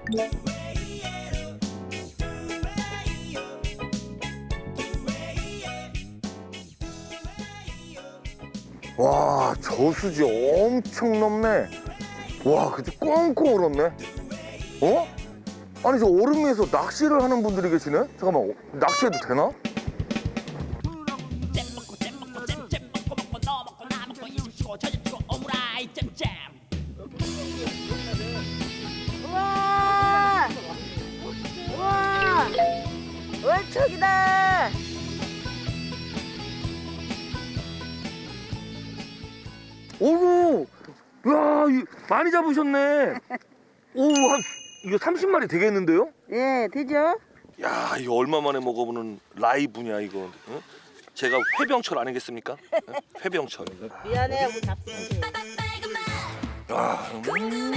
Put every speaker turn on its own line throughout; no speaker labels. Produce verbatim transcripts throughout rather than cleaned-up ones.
와, 저수지 엄청 넓네. 와, 근데 꽁꽁 얼었네. 어? 아니, 저 얼음 위에서 낚시를 하는 분들이 계시네? 잠깐만, 어, 낚시해도 되나?
우와! 우와! 월척이다!
오구! 야, 이- 많이 잡으셨네. 오, 한, 이거 삼십 마리 되겠는데요?
예, 되죠?
야, 이거 얼마 만에 먹어보는 라이브냐, 이거. 응? 제가 회병철 아니겠습니까? 응? 회병철.
미안해, 우리 잡수.
아, 음.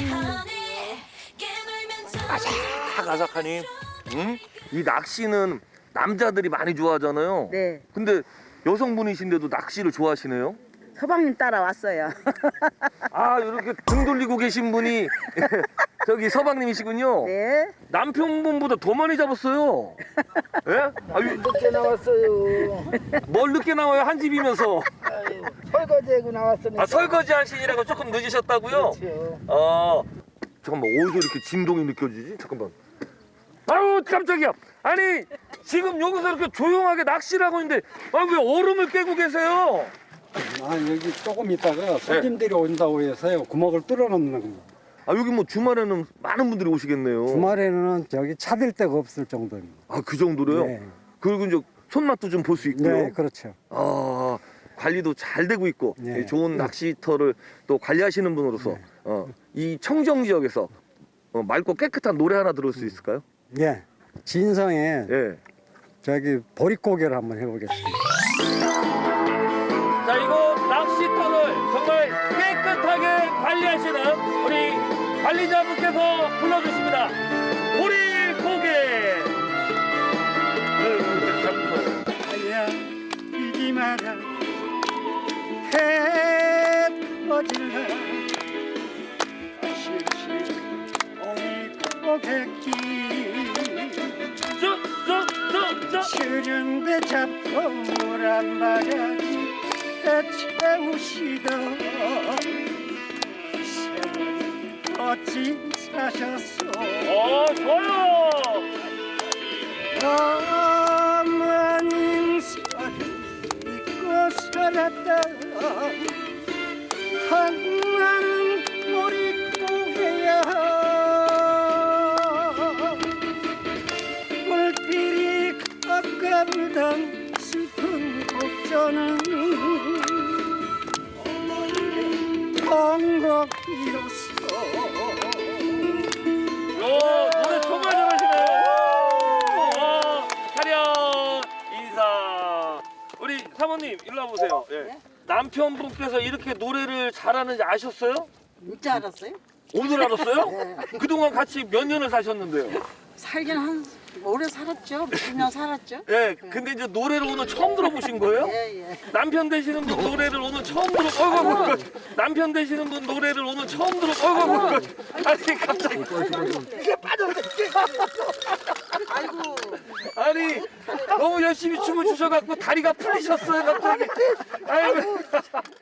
아삭아삭하니. 응? 이 낚시는 남자들이 많이 좋아하잖아요.
네,
근데 여성분이신데도 낚시를 좋아하시네요?
서방님 따라왔어요.
아, 이렇게 등 돌리고 계신 분이 저기 서방님이시군요.
네.
남편분보다 더 많이 잡았어요. 예? 아, 유-
늦게 나왔어요.
뭘 늦게 나와요? 한 집이면서.
아유, 설거지하고 나왔으니까.
아, 설거지 하시느라고 조금 늦으셨다고요?
그렇죠.
아, 잠깐만, 어디서 이렇게 진동이 느껴지지? 잠깐만. 아유, 깜짝이야. 아니, 지금 여기서 이렇게 조용하게 낚시를 하고 있는데, 아, 왜 얼음을 깨고 계세요?
아 여기 조금 있다가 손님들이 온다고 해서요 구멍을 뚫어놓는 겁니다.
아, 여기 뭐 주말에는 많은 분들이 오시겠네요.
주말에는 저기 차댈 데가 없을 정도입니다.
아, 그 정도로요?
네,
그리고 이제 손맛도 좀 볼 수 있고요.
네 그렇죠.
아, 관리도 잘 되고 있고
네.
좋은 낚시터를 또 관리하시는 분으로서
네.
어, 이 청정 지역에서 어, 맑고 깨끗한 노래 하나 들을 수 있을까요?
예, 진성에
예.
저기 보릿고개를 한번 해보겠습니다.
자, 이곳 낚시터를 정말 깨끗하게 관리하시는 우리 관리자분께서 불러주십니다. 보릿고개.
아야 이기 마라 해 터질라 실실 보릿고개길
저저저저
추른데 잡고 물한 바가지 채우시던 세월이 어찌 사셨소
어, 좋아요.
어머님 인사를 믿고 살았다 한나는 보릿고개야 물길이 가까우던 슬픈 곡전은 통곡이었어
요, 노래 정말 잘하시네요. 와, 차렷 인사. 우리 사모님 일로 와보세요. 예. 남편분께서 이렇게 노래를 잘하는지 아셨어요?
진짜 알았어요?
오늘 알았어요? 그동안 같이 몇 년을 사셨는데요?
살긴 한 오래 살았죠. 몇 년 살았죠.
예, 근데 이제 노래를 오늘 처음 들어보신 거예요?
예, 예.
남편 되시는 분 노래를 오늘 처음 들어. 어이구, 어이구, 어이구. 남편 되시는 분 노래를 오늘 처음 들어. 어이구, 어이구, 어이구. 아니 갑자기.
아이고.
아니 너무 열심히 춤을 추셔갖고 다리가 풀리셨어요 갑자기. 아이고.